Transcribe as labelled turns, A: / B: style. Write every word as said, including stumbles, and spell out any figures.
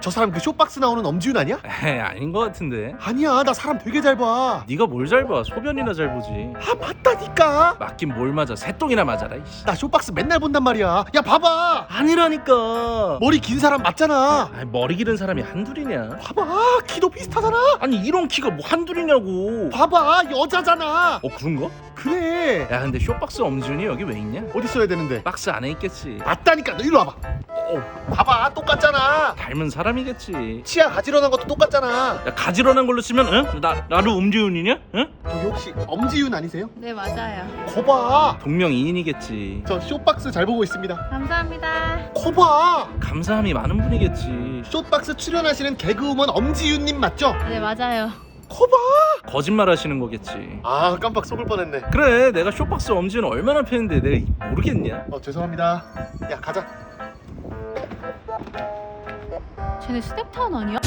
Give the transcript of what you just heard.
A: 저 사람 그 쇼박스 나오는 엄지윤 아니야?
B: 에이, 아닌 것 같은데.
A: 아니야, 나 사람 되게 잘 봐.
B: 네가 뭘 잘 봐? 소변이나 잘 보지.
A: 아, 맞다니까.
B: 맞긴 뭘 맞아. 새똥이나 맞아라 이씨.
A: 나 쇼박스 맨날 본단 말이야. 야, 봐봐.
B: 아니라니까.
A: 머리 긴 사람 맞잖아.
B: 아이, 머리 기른 사람이 한둘이냐.
A: 봐봐, 키도 비슷하잖아.
B: 아니 이런 키가 뭐 한둘이냐고.
A: 봐봐, 여자잖아.
B: 어 그런가?
A: 그래.
B: 야 근데 쇼박스 엄지훈이 여기 왜 있냐?
A: 어디 써야 되는데?
B: 박스 안에 있겠지.
A: 맞다니까. 너 일로 와봐.
B: 어,
A: 봐봐, 똑같잖아.
B: 닮은 사람이겠지.
A: 치아 가지런한 것도 똑같잖아.
B: 야 가지런한 걸로 치면 응? 나 나도 엄지훈이냐? 응?
A: 저기 혹시 엄지윤 아니세요?
C: 네, 맞아요.
A: 거봐,
B: 동명이인이겠지.
A: 저 쇼박스 잘 보고 있습니다.
C: 감사합니다.
A: 거봐,
B: 감사함이 많은 분이겠지.
A: 쇼박스 출연하시는 개그우먼 엄지윤님 맞죠?
C: 네, 맞아요.
A: 거봐.
B: 거짓말 하시는 거겠지.
A: 아, 깜빡 속을 뻔했네.
B: 그래 내가 쇼박스 엄지훈 얼마나 팬인데 내가 모르겠냐?
A: 어, 죄송합니다. 야, 가자.
C: 쟤네 스텝타운 아니야?